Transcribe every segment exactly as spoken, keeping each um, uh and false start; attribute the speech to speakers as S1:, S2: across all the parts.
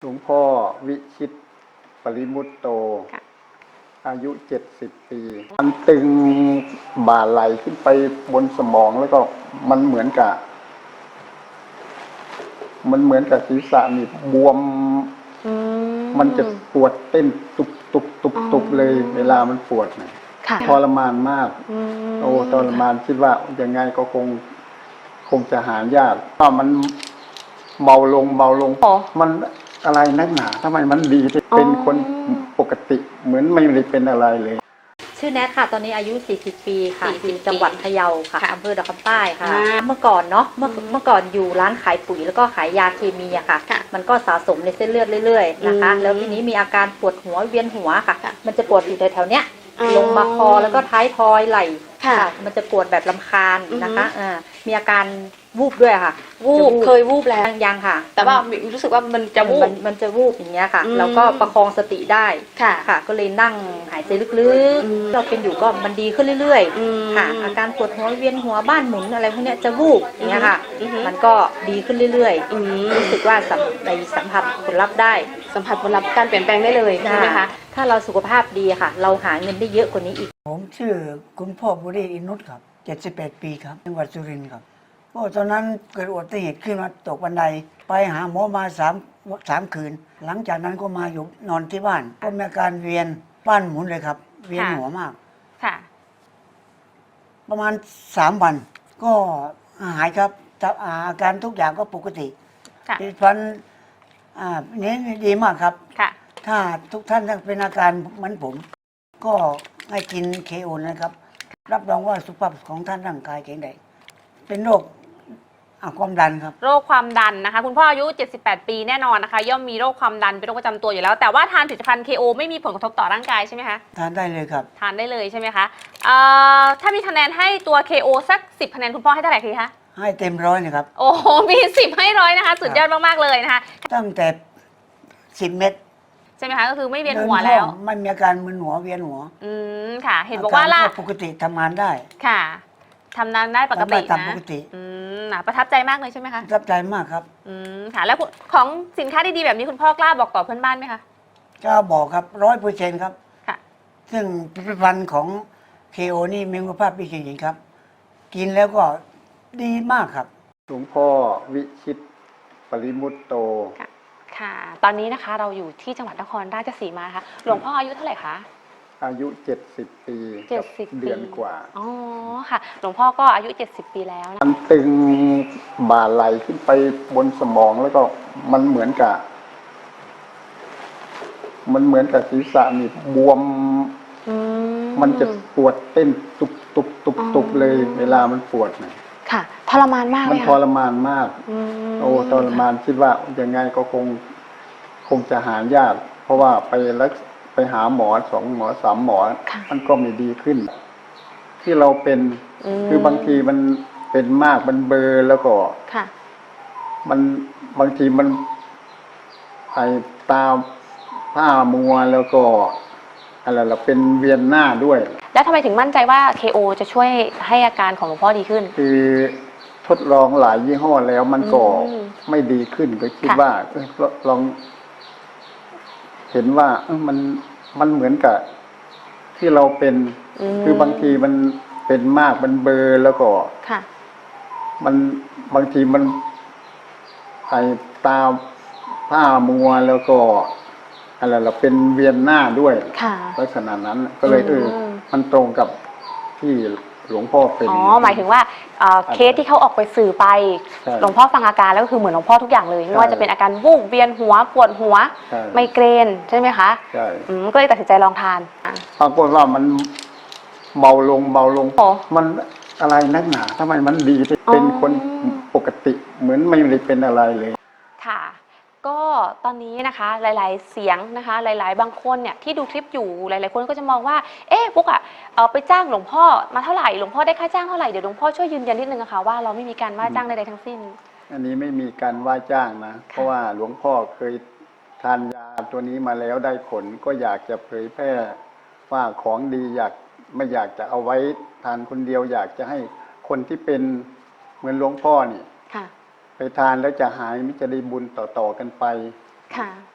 S1: หลวงพ่อวิชิตปริมุตโตอายุเจ็ดสิบปีมันตึงบ่าไหลขึ้นไปบนสมองแล้วก็มันเหมือนกับมันเหมือนกับศีรษะนี่บวมมันจะปวดเต้นตุบตุบตุบตุบเลยเวลามันปวดเนี่ยทรมานมากโอ้ทรมานคิดว่ายังไงก็คงคงจะหายากถ้ามันเบาลงเบาลงมันอะไรนักหนาทำไมมันดีเป็นคนปกติเหมือนไม่ได้เป็นอะไรเลย
S2: ชื่อแนทค่ะตอนนี้อายุสี่สิบปีค่ะอยู่จังหวัดพะเยาค่ะอำเภอดอกคำใต้ค่ะเมื่อก่อนเนาะเมื่อเมื่อก่อนอยู่ร้านขายปุ๋ยแล้วก็ขายยาเคมีอะค่ะมันก็สะสมในเส้นเลือดเรื่อยๆนะคะแล้วทีนี้มีอาการปวดหัวเวียนหัวค่ะมันจะปวดอยู่แถวๆเนี้ยลงมาคอแล้วก็ท้ายทอยไหล่ค่ะมันจะปวดแบบลำคาญนะคะมีอาการวูบด้วยค่ะ
S3: วูบเคยวูบแล้ว
S2: ยังค่ะ
S3: แต่ว่ารู้สึกว่ามันจะวูบ
S2: มันจะวูบอย่างเงี้ยค่ะแล้วก็ประคองสติได้ค่ะก็เลยนั่งหายใจลึกๆเราเป็นอยู่ก็มันดีขึ้นเรื่อยๆค่ะอาการปวดหัวเวียนหัวบ้านหมุนอะไรพวกเนี้ยจะวูบอย่างเงี้ยค่ะมันก็ดีขึ้นเรื่อยๆรู้สึกว่าในสัมผัสผลลัพธ์ได้
S3: สัมผัสผลลัพธ์การเปลี่ยนแปลงได้เลยใช่ไหมคะ
S2: ถ้าเราสุขภาพดีค่ะเราหาเงินได้เยอะกว่านี้อีก
S4: ผมชื่อคุณพ่อบุรีอินุตครับเจ็ดสิบแปดปีครับจังหวัดสุรินทร์ครับก็ตอนนั้นเกิดอุบัติเหตุขึ้นมาตกบันไดไปหาหมอมาสามสามคืนหลังจากนั้นก็มาอยู่นอนที่บ้านก็มีอาการเวียนบ้านหมุนเลยครับเวียนหัวมาก
S3: ค่ะ
S4: ประมาณสามวันก็หายครับอาการทุกอย่างก็ปกติที่ฟันอ่านี้ดีมากครับ
S3: ค่ะ
S4: ถ้าทุกท่านเป็นอาการเหมือนผมก็ให้กินเคโอนะครับรับรองว่าสุขภาพของท่านร่างกายแข็งแรงเป็นโรคความดันครับ
S3: โรคความดันนะคะคุณพ่ออายุเจ็ดสิบแปดปีแน่นอนนะคะย่อมมีโรคความดันเป็นโรคประจำตัวอยู่แล้วแต่ว่าทานผลิตภัณฑ์ เค โอ ไม่มีผลกระทบต่อร่างกายใช่ไหมคะ
S4: ทานได้เลยครับ
S3: ทานได้เลยใช่ไหมคะถ้ามีคะแนนให้ตัว เค โอ สักสิบคะแนนคุณพ่อให้เท่าไหร่คะ
S4: ให้เต็มร้อยนะครับ
S3: โอ้โหมีสิบให้ร้อยนะคะสุดยอดมากๆเลยนะคะ
S4: ตั้งแต่สิบเม็ด
S3: ใช่ไหมคะก็คือไม่เวียนหัวแล้ว
S4: ไม่มีอาการมึนหัวเวียนหัว
S3: อืมค่ะเห็นบอกว่าล่ะ
S4: ปกติทำงานได้
S3: ค่ะทำงานได้ปกตินะ
S4: ตามปกติ
S3: อืมประทับใจมากเลยใช่ไหมคะ
S4: ประทับใจมากครับ
S3: อืมค่ะแล้วของสินค้าดีๆแบบนี้คุณพ่อกล้าบอกต่อเพื่อนบ้านไหมคะ
S4: กล้าบอกครับร้อยเปอร์เซ็นต์ครับ
S3: ค่ะ
S4: ซึ่งผลิตภัณฑ์ของ เค โอ นี่มีคุณภาพดีจริงๆครับกินแล้วก็ดีมากครับ
S1: หลวงพ่อวิชิตปริมุตโต
S3: ค่ะตอนนี้นะคะเราอยู่ที่จังหวัดนครราชสีมาค่ะหลวงพ่ออายุเท่าไหร่คะ
S1: อายุเจ็ดสิบปี
S3: เจ็ดสิบ
S1: เดือนกว่า
S3: อ๋อค่ะหลวงพ่อก็อายุเจ็ดสิบปีแล้วนะ
S1: มันตึงบ่าไหลขึ้นไปบนสมองแล้วก็มันเหมือนกับมันเหมือนกับศีรษะนี่บวมมันจะปวดเต้นตุบตุบตุบตุบเลยเวลามันปวดเนี่ย
S3: ค่ะทรมานมากเลย
S1: มันทรมานมากโอ้ทรมานคิดว่ายังไงก็คงคงจะหายากเพราะว่าไปรักไปหาหมอสองหมอสามหมอมันก็ไม่ดีขึ้นที่เราเป็นคือบางทีมันเป็นมากมันเบลอแล้วก็มันบางทีมันไอตาผ้ามัวแล้วก็อะไรเราเป็นเวียนหน้าด้วย
S3: แล้วทำไมถึงมั่นใจว่า เค โอ จะช่วยให้อาการของหลวงพ่อดีขึ้น
S1: คือทดลองหลายยี่ห้อแล้วมันก็ไม่ดีขึ้นก็คิดว่าลองเห็นว่ามันมันเหมือนกับที่เราเป็นคือบางทีมันเป็นมากมันเบลอแล้วก็มันบางทีมันไอตาผ้ามัวแล้วก็อะไรเราเป็นเวียนหน้าด้วยลักษณะนั้นก็เลยเออมันตรงกับที่หลวงพ่อเป็น
S3: อ๋อหมายถึงว่าเคสที่เขาออกไปสื่อไปหลวงพ่อฟังอาการแล้วก็คือเหมือนหลวงพ่อทุกอย่างเลยไม่ว่าจะเป็นอาการวูบเวียนหัวปวดหัวไมเกรนใช่ไหมคะ
S1: ใช่
S3: ก็เลยตัดสินใจลองทาน
S1: ปรากฏว่ามันเบาลงเบาลงมันอะไรนักหนาทำไมมันดีเป็นคนปกติเหมือนไม่ได้เป็นอะไรเลย
S3: ค่ะก็ตอนนี้นะคะหลายๆเสียงนะคะหลายๆบางคนเนี่ยที่ดูคลิปอยู่หลายๆคนก็จะมองว่าเอ๊ะปุ๊กอ่ะเอาไปจ้างหลวงพ่อมาเท่าไหร่หลวงพ่อได้ค่าจ้างเท่าไหร่เดี๋ยวหลวงพ่อช่วยยืนยันนิดนึงนะคะว่าเราไม่มีการว่าจ้างใดๆทั้งสิ้น
S1: อันนี้ไม่มีการว่าจ้างนะเพราะว่าหลวงพ่อเคยทานยาตัวนี้มาแล้วได้ผลก็อยากจะเผยแพร่ว่าของดีอยากไม่อยากจะเอาไว้ทานคนเดียวอยากจะให้คนที่เป็นเหมือนหลวงพ่อนี่ไปทานแล้วจะหายมิจะได้บุญต่อๆกันไป
S3: ค่ะ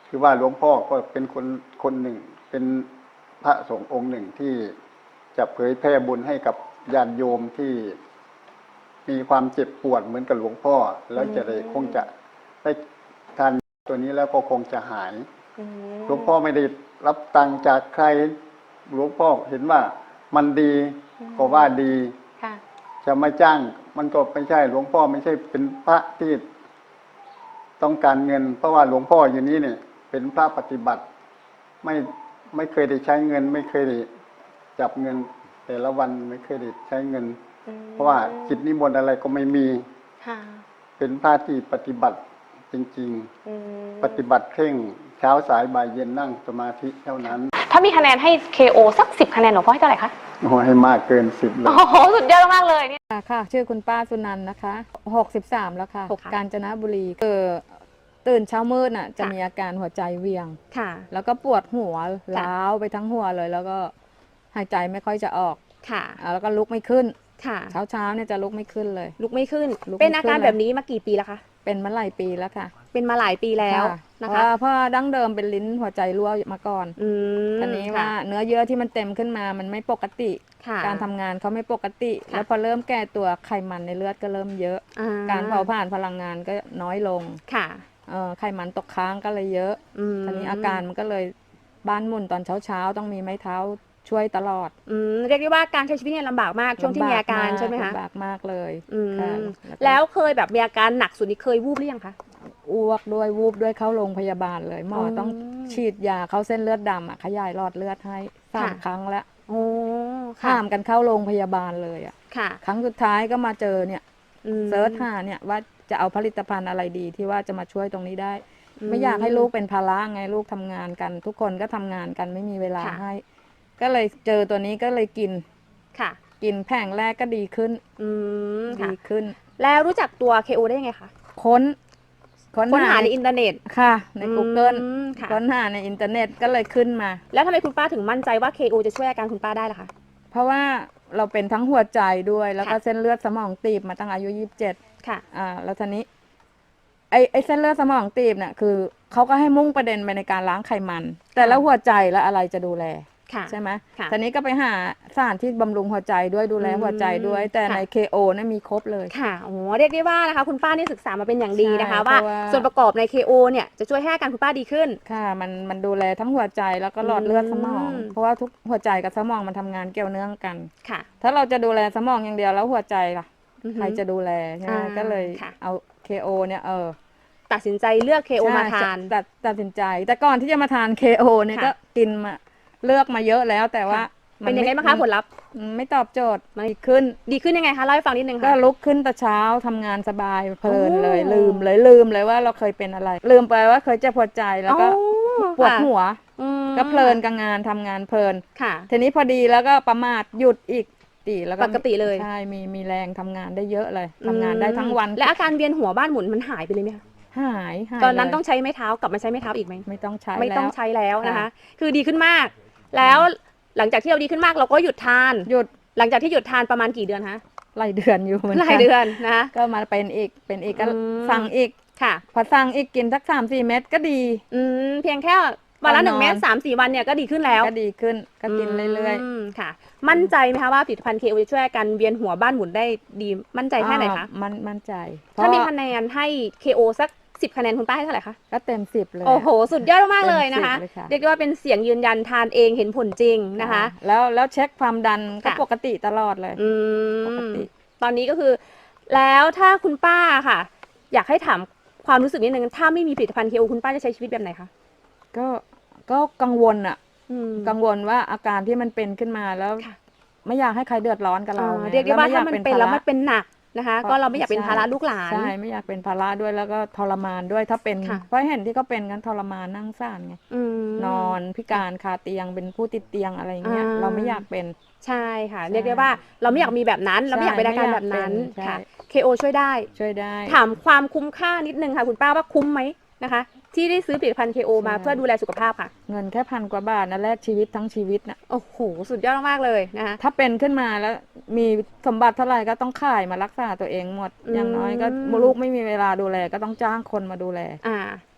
S1: คือว่าหลวงพ่อก็เป็นคนคนหนึ่งเป็นพระสงฆ์องค์หนึ่งที่จะเผยแผ่บุญให้กับญาติโยมที่มีความเจ็บปวดเหมือนกับหลวงพ่อแล้วจะได้คงจะได้ทานตัวนี้แล้วก็คงจะหายหลวงพ่อไม่ได้รับตังค์จากใครหลวงพ่อเห็นว่ามันดีก็ว่าดีจะไม่จ้างมันก็ไม่ใช่หลวงพ่อไม่ใช่เป็นพระที่ต้องการเงินเพราะว่าหลวงพ่ออยู่นี้เนี่ยเป็นพระปฏิบัติไม่ไม่เคยได้ใช้เงิน ไม่เคยได้จับเงินแต่ละวันไม่เคยได้ใช้เงินเพราะว่ากิจนิมนต์อะไรก็ไม่มีเป็นพระที่ปฏิบัติจริงๆปฏิบัติเคร่งเช้าสายบ่ายเย็นนั่งสมาธิเท่านั้น
S3: ถ้ามีคะแนนให้ เค โอ สักสิบคะแนนหลวงพ่อให้เท่าไหร่คะ
S1: โอ้ให้มากเกินสิบเลย
S3: โอ้โหสุดยอดมากเลยเนี่ย
S2: ค่ะ ชื่อคุณป้าสุนันท์นะคะหกสิบสามแล้วค่ะ
S3: ค่ะ
S2: กาญจนบุรีเออตื่นเช้ามืดน่ะจะมีอาการหัวใจเวียง
S3: ค่ะ
S2: แล้วก็ปวดหัวล้าวไปทั้งหัวเลย แล้วก็หายใจไม่ค่อยจะออก
S3: ค่ะ
S2: อ่าแล้วก็ลุกไม่ขึ้น
S3: ค่ะ
S2: เช้าเช้าๆเนี่ยจะลุกไม่ขึ้นเลย
S3: ลุกไม่ขึ้น
S2: ลุกไม่
S3: เป็นอาการ
S2: ขึ้นเลย
S3: แบบนี้มากี่ปีแล้วคะ
S2: เป็นมาหลายปีแล้วค่ะ
S3: เป็นมาหลายปีแล้ว
S2: ค่ะ
S3: นะ
S2: เพ
S3: คะ
S2: ราะเพราะดั้งเดิมเป็นลิ้นหัวใจรั่วมาก่อน
S3: อืม
S2: อันนี้
S3: ค่ะ
S2: ว่าเนื้อเยื่อที่มันเต็มขึ้นมามันไม่ปกติ
S3: ค่ะ
S2: การทำงานเขาไม่ปกติ
S3: ค่ะ
S2: แล้วพอเริ่มแก่ตัวไขมันในเลือดก็เริ่มเยอะ
S3: อ่
S2: การเผาผลาญพลังงานก็น้อยลง
S3: ค่ะ
S2: เอ่อไขมันตกค้างก็เลยเยอะ
S3: อืม
S2: ทีนี้อาการมันก็เลยบ้านหมุนตอนเช้าๆต้องมีไม้เท้าช่วยตลอด
S3: อืมเรียกได้ว่าการใช้ชีวิตเนี่ยลำบากมากช่วงที่มีอาการใช่ไหมคะ
S2: ลำบากมากเลย
S3: อืม
S2: ค่ะ
S3: แล้วเคยแบบมีอาการหนักสุดนี่เคยวูบหรือยังคะ
S2: อ้วกด้วยวูบด้วยเข้าโรงพยาบาลเลยหมออ
S3: ม
S2: ต้องฉีดยาเข้าเส้นเลือดดำอ่ะขยายหลอดเลือดให้สาม
S3: ค่ะ
S2: ครั้งแล้ว
S3: โอ้ค่ะ
S2: ข้ามกันเข้าโรงพยาบาลเลยอ่ะ
S3: ค่ะ
S2: ครั้งสุดท้ายก็มาเจอเนี่ย
S3: อืม
S2: เซิร์ชหาเนี่ยว่าจะเอาผลิตภัณฑ์อะไรดีที่ว่าจะมาช่วยตรงนี้ได้
S3: อืม
S2: ไม่อยากให้ลูกเป็นภาระไงลูกทำงานกัน ทุกคนก็ทำงานกันไม่มีเวลา
S3: ค่ะ
S2: ให้ ก็เลยเจอตัวนี้ก็เลยกิน
S3: ค่ะ
S2: กินแผงแรกก็ดีขึ้น
S3: อืมค่ะ
S2: ดีขึ้น
S3: แล้วรู้จักตัว เค โอ ได้ยังไงคะ
S2: ค้น
S3: ค้นหาในอินเทอร์เน็ต
S2: ค่ะ ใน Google
S3: อืมค่ะ
S2: ค้นหาในอินเทอร์เน็ตก็เลยขึ้นมา
S3: แล้วทำไมคุณป้าถึงมั่นใจว่า เค โอ จะช่วยอาการคุณป้าได้ล่ะคะ
S2: เพราะว่าเราเป็นทั้งหัวใจด้วย แล้วก็
S3: ค่ะ
S2: เส้นเลือดสมองตีบมาตั้งอายุยี่สิบเจ็ด
S3: ค่ะ
S2: อ่าแล้วทีนี้ไอ้ไอ้เส้นเลือดสมองตีบเนี่ยคือเขาก็ให้มุ่งประเด็นไปในการล้างไขมัน แต่แล้วหัวใจแล้วอะไรจะดูแล
S3: ค่ะ
S2: ใช่ไหม
S3: ค่ะ
S2: ทีนี้ก็ไปหาสถานที่บำรุงหัวใจด้วยดูแล
S3: อืม
S2: หัวใจด้วย แต่
S3: ค่ะ
S2: ใน เค โอ เนี่ยมีครบเลย
S3: ค่ะโอ้โหเรียกได้ว่านะคะคุณป้านี่ศึกษามาเป็นอย่างดีนะคะ
S2: ใช่
S3: ว่า
S2: เพราะว่า
S3: ส่วนประกอบใน เค โอ เนี่ยจะช่วยให้อาการคุณป้าดีขึ้น
S2: ค่ะมันมันดูแลทั้งหัวใจแล้วก็หลอดเลือดสมอง
S3: อืม
S2: เพราะว่าทุกหัวใจกับสมองมันทำงานเกี่ยวเนื่องกัน
S3: ค่ะ
S2: ถ้าเราจะดูแลสมองอย่างเดียวแล้วหัวใจล่ะ
S3: อือฮึ
S2: ใครจะดูแลใช่ไหม
S3: อ่า
S2: ก็เลย
S3: ค่ะ
S2: เอา เค โอ เนี่ยเออ
S3: ตัดสินใจเลือก เค โอ
S2: ใช่
S3: มาทาน
S2: ตัดตัดสินใจ แต่ก่อนที่จะมาทาน เค โอ เนี่ย
S3: ค่ะ
S2: ก็กินมาเลือกมาเยอะแล้วแต่ว่า
S3: ค่ะเป็นยังไงบ้างคะผลลัพธ์
S2: มันไม่ตอบโจทย์มันดีขึ้น
S3: ดีขึ้นยังไงคะเล่าให้ฟังนิดนึง
S2: ก็
S3: ค่ะ
S2: ลุกขึ้นแต่เช้าทำงานสบายเพลินเลย
S3: โอ้
S2: ลืมเลยลืมเลยว่าเราเคยเป็นอะไร ลืมไปว่าเคยเจ็บหัวใจแล้วก็
S3: อ๋อ
S2: ปวด
S3: ค่ะ
S2: หัว
S3: อืม
S2: ก็เพลินกับงานทำงานเพลิน
S3: ค่ะ
S2: ทีนี้พอดีแล้วก็ประมาทหยุดอีกตีแล้วก็
S3: ปกติเลย
S2: ใช่มีมีแรงทำงานได้เยอะเลยทำงานได้ทั้งวัน
S3: และอาการเวียนหัวบ้านหมุนมันหายไปเลยไหมคะ
S2: หายหาย
S3: ตอนนั้น
S2: เลย
S3: ต้องใช้ไม้เท้ากลับมาใช้ไม้เท้าอีกไหม
S2: ไม่ต้องใช้
S3: ไม่ต้อง
S2: แล้ว
S3: ใช้แล้วนะคะ
S2: ค่ะ
S3: คือดีขึ้นมาก แล้วหลังจากที่เราดีขึ้นมากเราก็หยุดทาน
S2: หยุด
S3: หลังจากที่หยุดทานประมาณกี่เดือนคะ
S2: หลายเดือนอยู่เหมือน
S3: ห
S2: กั
S3: ลายเดือนนะคะ
S2: ก็มาเป็นอีกเป็นอีกก็
S3: อืม
S2: สั่งอีก
S3: ค่ะ
S2: พอสั่งอีกกินสักสามสี่เม็ดก็ดี
S3: อืมเพียงแค่วันละหนึ่งเม็ดสามสี่วันเนี่ยก็ดีขึ้นแล้ว
S2: ก็ดีขึ้นก็กินเรื่อย
S3: มค่ะ มั่นใจไหมคะว่าผลิตภัณฑ์ เค โอ จะช่วยอาการเวียนหัวบ้านหมุนได้ดีมั่นใจ
S2: ๆ
S3: แค่ไหนคะ
S2: อ่ามันมั่นใจ
S3: ถ้ามี
S2: เพระ
S3: คะแนนให้ เค โอ สักสิบคะแนนคุณป้าให้เท่าไหร่คะ
S2: ก็เต็มสิบเลย
S3: โอ้โห สุดยอดมากๆเลยนะคะ
S2: เต็มสิบเลยค่ะ
S3: เรียกได้ว่าเป็นเสียงยืนยันทานเองเห็นผลจริงนะคะ
S2: แล้วแล้วเช็คความดันก็
S3: ค่ะ
S2: ปกติตลอดเลย
S3: อื
S2: ปก
S3: ม
S2: ติ
S3: ตอนนี้ก็คือ แล้วถ้าคุณป้าค่ะ อยากให้ถามความรู้สึกนิดนึงถ้าไม่มีผลิตภัณฑ์ เค โอ คุณป้าจะใช้ชีวิตแบบไหนคะ
S2: ก็ก็กังวลอะ
S3: อืม
S2: กังวลว่าอาการที่มันเป็นขึ้นมาแล้ว
S3: ค่ะ
S2: ไม่อยากให้ใครเดือดร้อนกับเรา
S3: อ่า
S2: ไง
S3: เรียกได้ว่า
S2: แล้
S3: ถ้า
S2: ไอย
S3: มันเป็นแล้ว
S2: ภาระ
S3: มันเป็นหนักนะคะ ก็เราไม่อยากเป็นภาระลูกหลาน
S2: ใช่ไม่อยากเป็นภาระด้วยแล้วก็ทรมานด้วยถ้าเป็น
S3: ค่ะ
S2: เพราะเห็นที่เขาเป็นกันทรมานนั่งซ่านไง
S3: อืม
S2: นอนพิการคาเตียงเป็นผู้ติดเตียงอะไรเงี้ย
S3: อ่า
S2: เราไม่อยากเป็น
S3: ใช่ค่ะ
S2: ใช่
S3: เรียกได้ว่าเราไม่อยากมีแบบนั้น เราไม่อยากเป็นอาการแบบนั้น
S2: ใช่
S3: ค่ะ เค โอ ช่วยได้
S2: ช่วยได้
S3: ถามความคุ้มค่านิดนึงค่ะ คุณป้าว่าคุ้มไหมนะคะ ที่ได้ซื้อผลิตภัณฑ์ เค โอ มา
S2: ใช่
S3: เพื่อดูแลสุขภาพค่ะ
S2: เงินแค่พันกว่าบาทนะแลกชีวิตทั้งชีวิตนะ
S3: โอ้โห สุดยอดมากๆเลยนะคะ
S2: ถ้าเป็นขึ้นมาแล้วมีสมบัติเท่าไหร่ก็ต้องขายมารักษาตัวเองหมด
S3: อืม
S2: อย่างน้อยก็ลูกไม่มีเวลาดูแลก็ต้องจ้างคนมาดูแล
S3: อ่า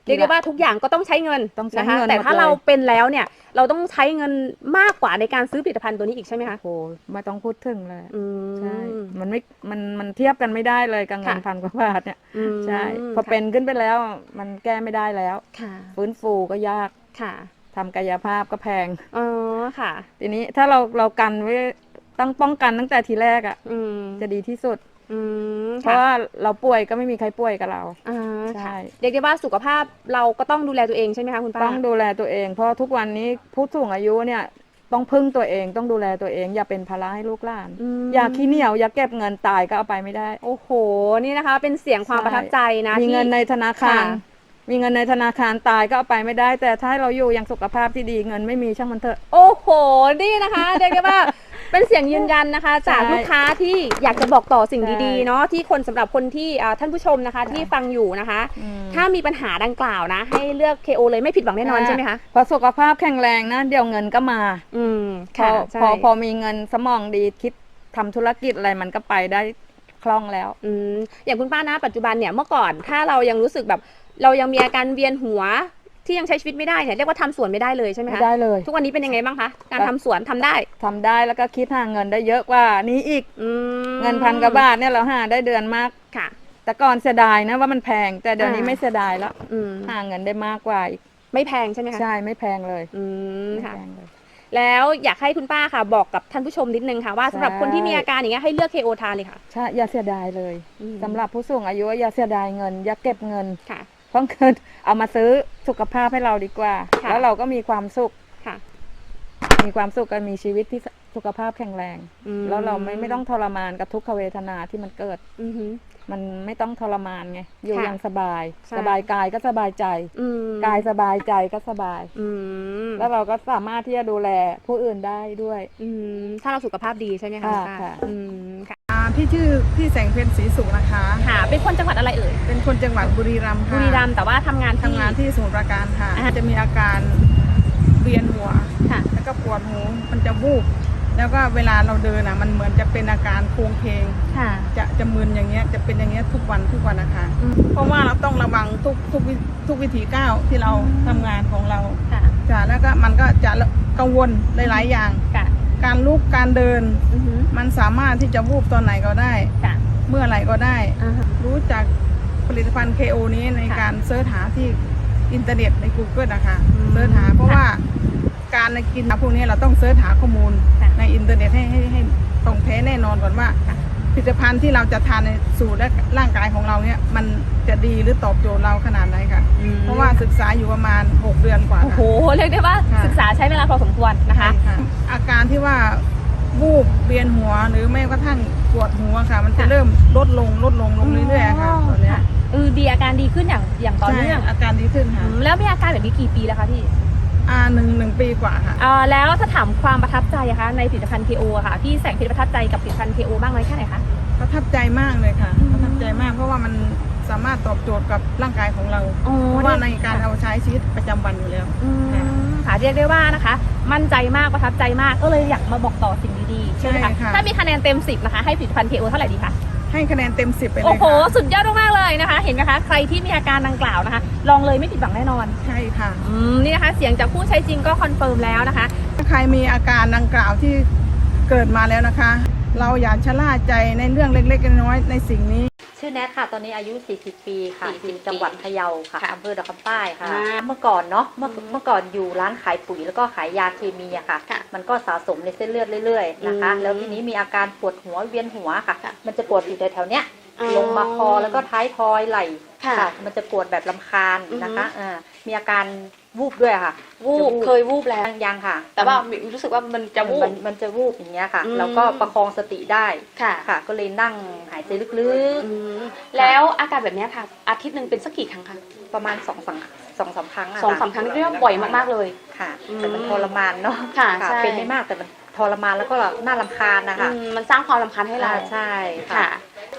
S3: เรียกได้ว่าทุกอย่างก็ต้องใช้เงิน
S2: ต้องใช้
S3: นะคะ
S2: เงิน
S3: แต่ถ้า
S2: หมดเลย
S3: เราเป็นแล้วเนี่ยเราต้องใช้เงินมากกว่าในการซื้อผลิตภัณฑ์ตัวนี้อีกใช่ไหมคะ
S2: โอ้ไม่ต้องพูดถึงเลย
S3: อืม
S2: ใช่ มันไม่ มัน มันเทียบกันไม่ได้เลยกับเงิน
S3: ค่ะ
S2: พันกว่าบาทเนี่ย
S3: อืม
S2: ใช่ พอเป็นขึ้นไปแล้ว มันแก้ไม่ได้แล้ว
S3: ค่ะ
S2: ฟื้นฟูก็ยาก
S3: ค่ะ
S2: ทำกายภาพก็แพง
S3: อ๋อค่ะ
S2: ทีนี้ถ้าเรา เรากันไว้ตั้งป้องกันตั้งแต่ทีแรกอ่ะ
S3: อืม
S2: จะดีที่สุด
S3: อืม
S2: เพราะว่าเราป่วยก็ไม่มีใครป่วยกับเรา
S3: อ่า
S2: ใช่
S3: ค่ะเรียกได้ว่าสุขภาพเราก็ต้องดูแลตัวเองใช่ไหมคะคุณป้า
S2: ต้องดูแลตัวเอง เพราะทุกวันนี้ผู้สูงอายุเนี่ยต้องพึ่งตัวเอง ต้องดูแลตัวเอง อย่าเป็นภาระให้ลูกหลาน
S3: ม
S2: อย่าขี้เหนียว อย่าเก็บเงินตายก็เอาไปไม่ได้
S3: โอ้โห นี่นะคะ เป็นเสียงความประทับใจนะ
S2: มี
S3: ที่
S2: เงินในธนาคาร
S3: ค่ะ
S2: มีเงินในธนาคารตายก็เอาไปไม่ได้ แต่ถ้าเราอยู่อย่างสุขภาพที่ดีเงินไม่มีช่างมันเถอะ
S3: โอ้โห นี่นะคะ เรียกได้ว่า เป็นเสียงยืนยันนะคะ จาก
S2: ใช่
S3: ลูกค้าที่อยากจะบอกต่อสิ่ง
S2: ใช่
S3: ดีๆ เนาะที่คนสำหรับคนที่อ่าท่านผู้ชมนะคะ ที่ฟังอยู่นะคะ
S2: อืม
S3: ถ้ามีปัญหาดังกล่าวนะ ให้เลือก เค โอ เลยไม่ผิดหวังแน่นอนใช่ไหมคะ
S2: พอสุขภาพแข็งแรงนะ เดี๋ยวเงินก็มา
S3: อืม
S2: พอ
S3: ค่ะ
S2: พ
S3: ใช่
S2: อพอมีเงินสมองดีคิดทำธุรกิจอะไรมันก็ไปได้คล่องแล้ว
S3: อืมอย่างคุณป้านะปัจจุบันเนี่ยเมื่อก่อนถ้าเรายังรู้สึกแบบ เรายังมีอาการเวียนหัวที่ยังใช้ชีวิตไม่ได้เนี่ยเรียกว่าทำสวนไม่ได้เลยใช่ไหม
S2: ไม่
S3: คะ
S2: ได้เลย
S3: ทุกวันนี้เป็นยังไงบ้างคะการทำสวนทำได้
S2: ทำได้แล้วก็คิดหาเงินได้เยอะกว่านี้อีก
S3: อืม
S2: เงินพันกว่าบาทเนี่ยเราหาได้เดือนมาก
S3: ค่ะ
S2: แต่ก่อนเสียดายนะว่ามันแพง แต่เดี๋ยวนี้
S3: อ่า
S2: ไม่เสียดายแล้ว
S3: อืม
S2: หาเงินได้มากกว่าอีก
S3: ไม่แพงใช่ไหมคะ
S2: ใช่ไม่แพงเลย
S3: อืม
S2: ไม่
S3: ค่ะ
S2: แพงเลย
S3: แล้วอยากให้คุณป้าค่ะ บอกกับท่านผู้ชมนิดนึงค่ะว่าสำหรับ
S2: ใช่
S3: คนที่มีอาการอย่างเงี้ยให้เลือก เค โอ ทานเลยค่ะ
S2: ใช่อย่าเสียดายเลย
S3: อืม
S2: สำหรับผู้สูงอายุอย่าเสียดายเงิน อย่าเก็บเงิน
S3: ค่ะ
S2: เพราะเงินเอามาซื้อสุขภาพให้เราดีกว่า
S3: ค่ะ
S2: แล้วเราก็มีความสุข
S3: ค่ะ
S2: มีความสุขกันมีชีวิตที่สุขภาพแข็งแรง
S3: อืม
S2: แล้วเราไม่ไม่ต้องทรมานกับทุกขเวทนาที่มันเกิด
S3: อือหือ
S2: มันไม่ต้องทรมานไง อยู่
S3: ค่ะ
S2: อย่างสบาย
S3: ใช่
S2: สบายกายก็สบายใจ
S3: อืม
S2: กายสบายใจก็สบาย
S3: อืม
S2: แล้วเราก็สามารถที่จะดูแลผู้อื่นได้ด้วย
S3: อืมถ้าเราสุขภาพดีใช่ไหมคะ
S2: ค่ะ
S3: ณป้า
S2: ค่ะ
S3: อืมค่ะ
S5: อ่าพี่ชื่อพี่แสงเพ็ญศรีสุขนะคะ
S3: ค่ะ เป็นคนจังหวัดอะไรเอ่ย
S5: เป็นคนจังหวัดบุรีรัมย์
S3: บุ
S5: ค่ะ
S3: รีรัมย์แต่ว่าทำงานที่
S5: ทำงานที่สมุทรปราการค่ะ
S3: อ่า
S5: จะมีอาการเวียนหัว
S3: ค่ะ
S5: แล้วก็ปวดหูมันจะวูบแล้วก็เวลาเราเดินอ่ะมันเหมือนจะเป็นอาการโคลงเพลง
S3: ค่ะ
S5: จะจะมึนอย่างเงี้ยจะเป็นอย่างเงี้ยทุกวันทุกวันนะคะ
S3: อืม
S5: เพราะว่าเราต้องระวังทุกทุกวิทุกวิถีก้าวที่เราทำงานของเรา
S3: ค่ะ
S5: จ้ะแล้วก็มันก็จะกังวลหลายๆอย่าง
S3: ค่ะ
S5: การลุกการเดิน
S3: อือหือ
S5: มันสามารถที่จะวูบตอนไหนก็ได้
S3: ค่ะ
S5: เมื่อไหร่ก็ได้
S3: อ่าฮะ
S5: รู้จักผลิตภัณฑ์ เค โอ นี้ใน
S3: ค่ะ
S5: การเสิร์ชหาที่อินเทอร์เน็ตใน Google นะคะ
S3: อืม
S5: เสิร์ชหาเพราะ
S3: ค่ะ
S5: ว่าการกินพวกนี้เราต้องเสิร์ชหาข้อมูล
S3: ค่ะ
S5: ในอินเทอร์เน็ตให้ให้ให้ตรงแท้แน่นอนก่อนว่า
S3: ค่ะ
S5: ผลิตภัณฑ์ที่เราจะทานในสู่และร่างกายของเราเนี่ยมันจะดีหรือตอบโจทย์เราขนาดไหนค่ะ
S3: อืม
S5: เพราะว่าศึกษาอยู่ประมาณหกเดือนกว่า
S3: โอ้โห
S5: ค่ะ
S3: เรียกได้ว่า
S5: ค่ะ
S3: ศึกษาใช้เวลาพอสมควรนะคะ
S5: ใช่ค่ะอาการที่ว่าวูบเวียนหัวหรือแม้กระทั่งปวดหัวค่ะ มันจะ
S3: ค่ะ
S5: เริ่มลดลงลดลงลงเรื่อยๆค่ะตอนเนี้ย
S3: เออดีอาการดีขึ้นอย่างอย่างต่อเนื่อง
S5: ใช่อาการดีขึ้น
S3: อื
S5: ค่ะ
S3: มแล้วมีอาการแบบนี้กี่ปีแล้วคะพี่
S5: อ่าหนึ่งหนึ่งปีกว่าค่ะ
S3: อ่าแล้วถ้าถามความประทับใจอะคะในผลิตภัณฑ์ เค โอ อะค่ะพี่แสงเพชรประทับใจกับผลิตภัณฑ์ เค โอ บ้างไหมแค่ไหนคะ
S5: ประทับใจมากเลยค่ะ
S3: อืม
S5: ประทับใจมากเพราะว่ามันสามารถตอบโจทย์กับร่างกายของเรา
S3: อ๋อ
S5: เพราะว่าในการเอาใช้ชีวิตประจำวันอยู่แล้ว
S3: อืมค่ะเรียกได้ว่านะคะ มั่นใจมากประทับใจมากก็เลยอยากมาบอกต่อสิ่งดีๆใช่ไหม
S5: ใช่
S3: คะ
S5: ค่ะ
S3: ถ้ามีคะแนนเต็มสิบนะคะให้ผลิตภัณฑ์ เค โอ เท่าไหร่ดีคะ
S5: ให้คะแนนเต็มสิบไปเล
S3: โอ้
S5: ย
S3: โห
S5: ค่ะ
S3: สุดยอดมากๆเลยนะคะ เห็นไหมคะใครที่มีอาการดังกล่าวนะคะ ลองเลยไม่ผิดหวังแน่นอน
S5: ใช่ค่ะ
S3: อืมนี่นะคะเสียงจากผู้ใช้จริงก็คอนเฟิร์มแล้วนะคะ
S5: ถ้าใครมีอาการดังกล่าวที่เกิดมาแล้วนะคะ เราอย่าชะล่าใจในเรื่องเล็กๆน้อยๆในสิ่งนี้
S2: ชื่อแนทค่ะ ตอนนี้อายุ สี่สิบ ปีค่ะ
S3: สี่สิบ
S2: อยู่จังหวัดพะเยาค่ะ
S3: ค่ะ
S2: อำเภอดอกคำใต้ค่ะ
S3: อ่า
S2: เมื่อก่อนเนาะ เมื่อ
S3: อืม
S2: เมื่อก่อนอยู่ร้านขายปุ๋ยแล้วก็ขายยาเคมีอะค่ะ
S3: ค่ะ
S2: มันก็สะสมในเส้นเลือดเรื่อยๆนะคะ
S3: อืม
S2: แล้วทีนี้มีอาการปวดหัวเวียนหัวค่ะ
S3: ค่ะ
S2: มันจะปวดอยู่แถวๆเนี้ย
S3: อ๋อ
S2: ลงมาคอแล้วก็ท้ายทอยไหล่
S3: ค่ะ
S2: มันจะปวดแบบลำคาญนะคะ
S3: อือฮึ
S2: อ่ามีอาการวูบด้วยค่ะ
S3: วูบ
S2: จะ
S3: เคยวูบแล้ว
S2: ยังยังค่ะ
S3: แต่ว่ารู้สึกว่ามันจะวู
S2: มั
S3: บ
S2: นมันจะวูบอย่างเงี้ยค่ะ
S3: อืม
S2: แล้วก็ประคองสติได้
S3: ค่ะ
S2: ค่ะ ก็เลยนั่งหายใจลึก
S3: อืมแล้วอาการแบบเนี้ยค่ะ อาทิตย์หนึ่งเป็นสักกี่ครั้งคะ
S2: ๆ ประมาณสองสามสองสามครั้งะ
S3: สองสามครั้งเรียกว่าบ่อยมากๆเลย
S2: ค่ะ
S3: อืม
S2: แต่มันทรมานเนาะ
S3: ค่ะใช่
S2: เป็นไม่มากแต่มันทรมานแล้วก็น่ารำคาญนะคะ
S3: อืมมันสร้างความรำคาญให้เรา
S2: อ่าใช่
S3: ค่ะ
S2: ค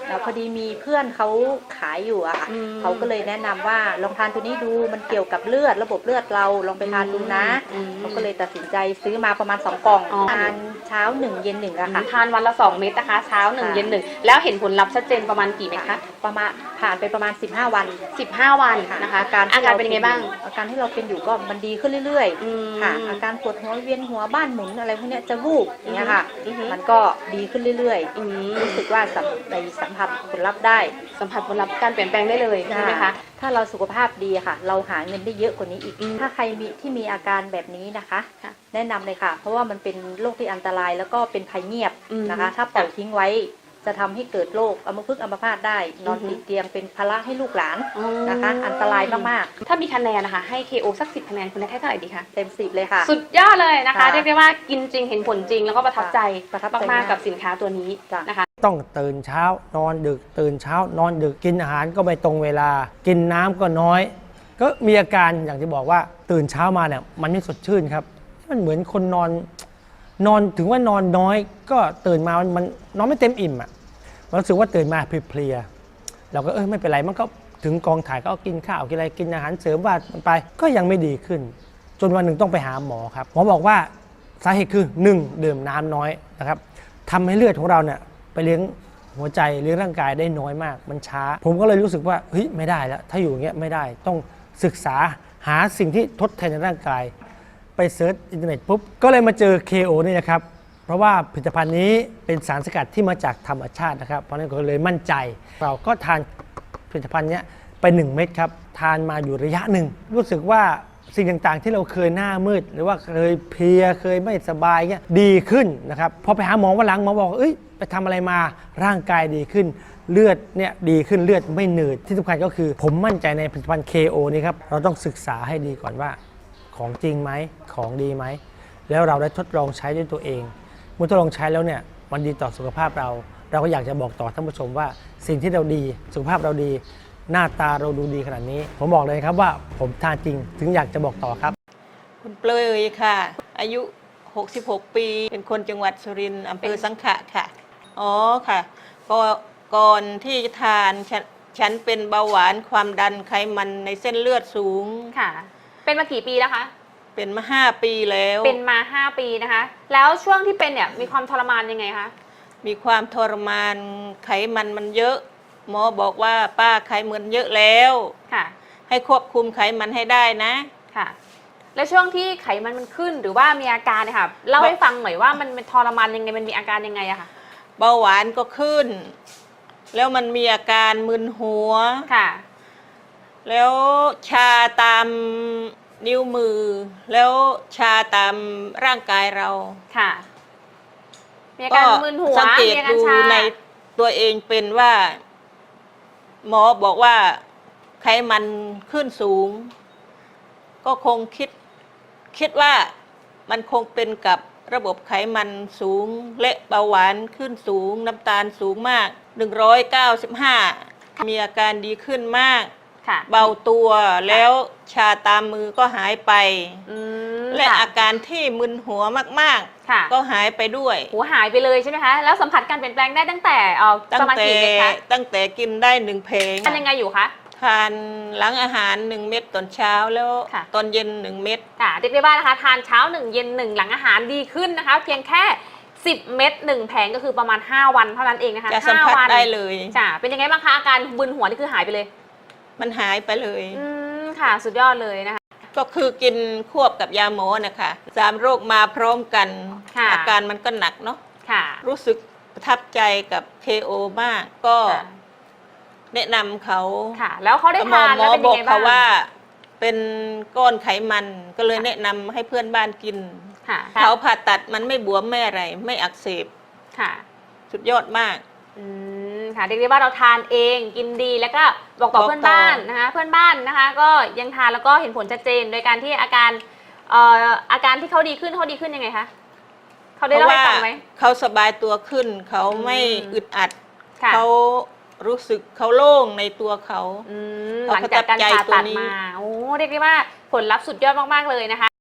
S2: แล้วพอดีมีเพื่อนเขาขายอยู่อะค่ะ
S3: อืม
S2: เขาก็เลยแนะนำว่าลองทานตัวนี้ดูมันเกี่ยวกับเลือดระบบเลือดเราลองไปทานดูนะ
S3: อืม
S2: เขาก็เลยตัดสินใจซื้อมาประมาณสองกล่อง
S3: อ๋อ
S2: ทานเช้าหนึ่งเย็นหนึ่งอะค่ะ
S3: ทานวันละสองเม็ดนะคะเช้าหนึ่ง
S2: ค่ะ
S3: เย็นหนึ่งแล้วเห็นผลลัพธ์ชัดเจนประมาณกี่เม็ดคะ
S2: ประมาณผ่านไปประมาณสิบห้าวัน
S3: สิบห้าวันนะคะ
S2: อาการ
S3: อา
S2: ที่
S3: การเป็นยังไงบ้าง
S2: อาการที่เราเป็นอยู่ก็มันดีขึ้นเรื่อย
S3: อืม
S2: ๆค่ะ อาการปวดหัวเวียนหัวบ้านหมุนอะไรพวกเนี้ยจะวูบอย่างเงี้ยค่ะ
S3: อือฮึ
S2: มันก็ดีขึ้นเรื่อย
S3: อืม
S2: ๆรู้สึกว่าสัมในสัมผัสผลลัพธ์ได้
S3: สัมผัสผลลัพธ์การเปลี่ยนแปลงได้เลยใช่ไหมคะ
S2: ถ้าเราสุขภาพดีค่ะ เราหาเงินได้เยอะกว่านี้อีก
S3: อืม
S2: ถ้าใครมีที่มีอาการแบบนี้นะคะ
S3: ค่ะ
S2: แนะนำเลยค่ะ เพราะว่ามันเป็นโรคที่อันตรายแล้วก็เป็นภัยเงียบ
S3: อืม
S2: นะคะ ถ้าปล่อยทิ้งไว้จะทำให้เกิดโรคอัมพฤกษ์อัมพาตได้ นอน
S3: อือฮึ
S2: ติดเตียงเป็นภาระให้ลูกหลาน
S3: อ๋อ
S2: นะคะ อันตรายมาก
S3: ถ้ามีคะแนนนะคะให้ เค โอ สักสิบคะแนนคุณแนทให้เท่าไหร่ดีคะ
S2: ๆ เต็มสิบเลยค่ะ
S3: สุดยอดเลยนะคะ
S2: ค่ะ
S3: เรียกได้ว่ากินจริงเห็นผลจริงแล้วก็ประทับใจ
S2: ประทับใจ
S3: มากๆกับสินค้าตัวนี้
S2: จ้ะ
S3: นะคะ
S6: ต้องตื่นเช้านอนดึกตื่นเช้านอนดึกกินอาหารก็ไม่ตรงเวลา กินน้ำก็น้อย ก็มีอาการอย่างที่บอกว่าตื่นเช้ามาเนี่ยมันไม่สดชื่นครับ มันเหมือนคนนอนนอนถึงว่านอนน้อย ก็ตื่นมามันมันนอนไม่เต็มอิ่มอ่ะมันรู้สึกว่าตื่นมาเพลียๆเราก็เออไม่เป็นไรมันก็ถึงกองถ่ายก็เอากินข้าวกินอะไรกินอาหารเสริมว่ามันไปก็ยังไม่ดีขึ้น จนวันหนึ่งต้องไปหาหมอครับหมอบอกว่าสาเหตุคือหนึ่งดื่มน้ำน้อยนะครับทำให้เลือดของเราเนี่ยไปเลี้ยงหัวใจเลี้ยงร่างกายได้น้อยมากมันช้า ผมก็เลยรู้สึกว่าเฮ้ยไม่ได้แล้วถ้าอยู่อย่างเงี้ยไม่ได้ต้องศึกษาหาสิ่งที่ทดแทนในร่างกาย ไปเซิร์ชอินเทอร์เน็ตปุ๊บก็เลยมาเจอ เค โอ นี่นะครับเพราะว่าผลิตภัณฑ์นี้เป็นสารสกัดที่มาจากธรรมชาตินะครับเพราะฉะนั้นก็เลยมั่นใจ เราก็ทานผลิตภัณฑ์นี้ไปหนึ่งเม็ดครับทานมาอยู่ระยะหนึ่งรู้สึกว่าสิ่งต่างๆ ที่เราเคยหน้ามืด หรือว่าเคยเพลียเคยไม่สบายเงี้ยดีขึ้นนะครับพอไปหาหมอวันหลังหมอบอกเอ้ยไปทำอะไรมาร่างกายดีขึ้น เลือดเนี่ยดีขึ้นเลือดไม่หนืดที่สำคัญก็คือผมมั่นใจในผลิตภัณฑ์ เค โอ นี่ครับเราต้องศึกษาให้ดีก่อนว่าของจริงไหมของดีไหมแล้วเราได้ทดลองใช้ด้วยตัวเองเมื่อทดลองใช้แล้วเนี่ยมันดีต่อสุขภาพเรา เราก็อยากจะบอกต่อท่านผู้ชมว่าสิ่งที่เราดีสุขภาพเราดี หน้าตาเราดูดีขนาดนี้ ผมบอกเลยครับว่าผมทานจริงถึงอยากจะบอกต่อครับ
S7: คุณเปลยค่ะ อายุ หกสิบหก ปี เป็นคนจังหวัดสุรินทร์อำเภอสังขะค่ะ อ๋อค่ะก็ก่อนที่จะทานฉันฉันเป็นเบาหวานความดันไขมันในเส้นเลือดสูง
S3: ค่ะ เป็นมากี่ปีแล้วคะ
S7: เป็นมาห้าปีแล้ว
S3: เป็นมาห้าปีนะคะ แล้วช่วงที่เป็นเนี่ยมีความทรมานยังไงคะ
S7: มีความทรมานไขมันมันเยอะ หมอบอกว่าป้าไขมันเยอะแล้ว
S3: ค่ะ
S7: ให้ควบคุมไขมันให้ได้นะ
S3: ค่ะ แล้วช่วงที่ไขมันมันขึ้นหรือว่ามีอาการเนี่ยค่ะเล่าให้ฟังหน่อยว่ามันเป็นทรมานยังไงมันมีอาการยังไงอะค่ะ
S7: เบาหวานก็ขึ้น แล้วมันมีอาการมึนหัว
S3: ค่ะ
S7: แล้วชาตามนิ้วมือ แล้วชาตามร่างกายเรา
S3: ค่ะ มีอาการมึนหัว
S7: สังเกต
S3: มีอาการ
S7: ดู
S3: ชา
S7: ในตัวเองเป็นว่า หมอบอกว่าไขมันขึ้นสูง ก็คงคิดคิดว่ามันคงเป็นกับระบบไขมันสูงและเบาหวานขึ้นสูง น้ำตาลสูงมาก หนึ่งร้อยเก้าสิบห้า มีอาการดีขึ้นมาก
S3: ค่ะ
S7: เบาตัวแล้วชาตามมือก็หายไป
S3: อืม
S7: และ
S3: ค่ะ
S7: อาการที่มึนหัวมาก
S3: ค่ะ
S7: ๆ ก็หายไปด้วย
S3: หัวหายไปเลยใช่ไหมคะ แล้วสัมผัสการเปลี่ยนแปลงได้ตั้งแต่เอ่อ
S7: ตั้
S3: ป
S7: ง
S3: ระมาณ
S7: แต่
S3: กี่เม็ดคะ
S7: ตั้งแต่กินได้หนึ่งเพลง
S3: ทานยังไงอยู่คะ
S7: ทานหลังอาหารหนึ่งเม็ดตอนเช้าแล้ว
S3: ค่ะ
S7: ตอนเย็นหนึ่งเม็ด
S3: ค่ะเรียกได้ว่านะคะทานเช้าหนึ่งเย็นหนึ่งหลังอาหารดีขึ้นนะคะ เพียงแค่สิบเม็ดหนึ่งแผงก็คือประมาณห้าวันเท่านั้นเองนะคะ
S7: จะสัมผัส
S3: ห้าวัน
S7: ได้เลย
S3: จ้ะเป็นยังไงบ้างคะอาการบึนหัวนี่คือหายไปเลย
S7: มันหายไปเลย
S3: อืมค่ะสุดยอดเลยนะคะ
S7: ก็คือกินควบกับยาหมอนะคะสามโรคมาพร้อมกัน
S3: ค่ะ
S7: อาการมันก็หนักเนาะ
S3: ค่ะ
S7: รู้สึกประทับใจกับ เค โอ มาก ก็
S3: ค่ะ
S7: แนะนำเขา
S3: ค่ะ แล้วเขาได้
S7: หมอ
S3: ทาน
S7: หม
S3: แล้ว
S7: อ
S3: เป็น
S7: บ
S3: ยั
S7: อง ก
S3: ไง
S7: เขา
S3: บ้าง
S7: ว่าเป็นก้อนไขมันก็เลยแนะนำให้เพื่อนบ้านกิน
S3: ค่ะ
S7: เขาผ่าตัดมันไม่บวมไม่อะไร ไม่อักเสบ
S3: ค่ะ
S7: สุดยอดมาก
S3: อืมค่ะเรียกได้ว่าเราทานเองกินดีแล้วก็บอกต่อ
S7: บอกต่อ
S3: เพื่อนบ้านนะคะเพื่อนบ้านนะคะ ก็ยังทานแล้วก็เห็นผลชัดเจน โดยการที่อาการเอ่ออาการที่เขาดีขึ้นเขาดีขึ้นยังไงคะเขาได้เล่าให้ฟังไหม
S7: เขาสบายตัวขึ้น เขาไม่
S3: อืม
S7: อึดอัด
S3: ค่ะ
S7: เขารู้สึกเขาโล่งในตัวเขา
S3: อืมห
S7: เขา
S3: ลังจากการ
S7: ประทับใจ
S3: ผ่า
S7: ตัว
S3: ตัด
S7: นี้
S3: มาโอ้เรียกได้ว่าผลลัพธ์สุดยอดมากๆเลยนะคะ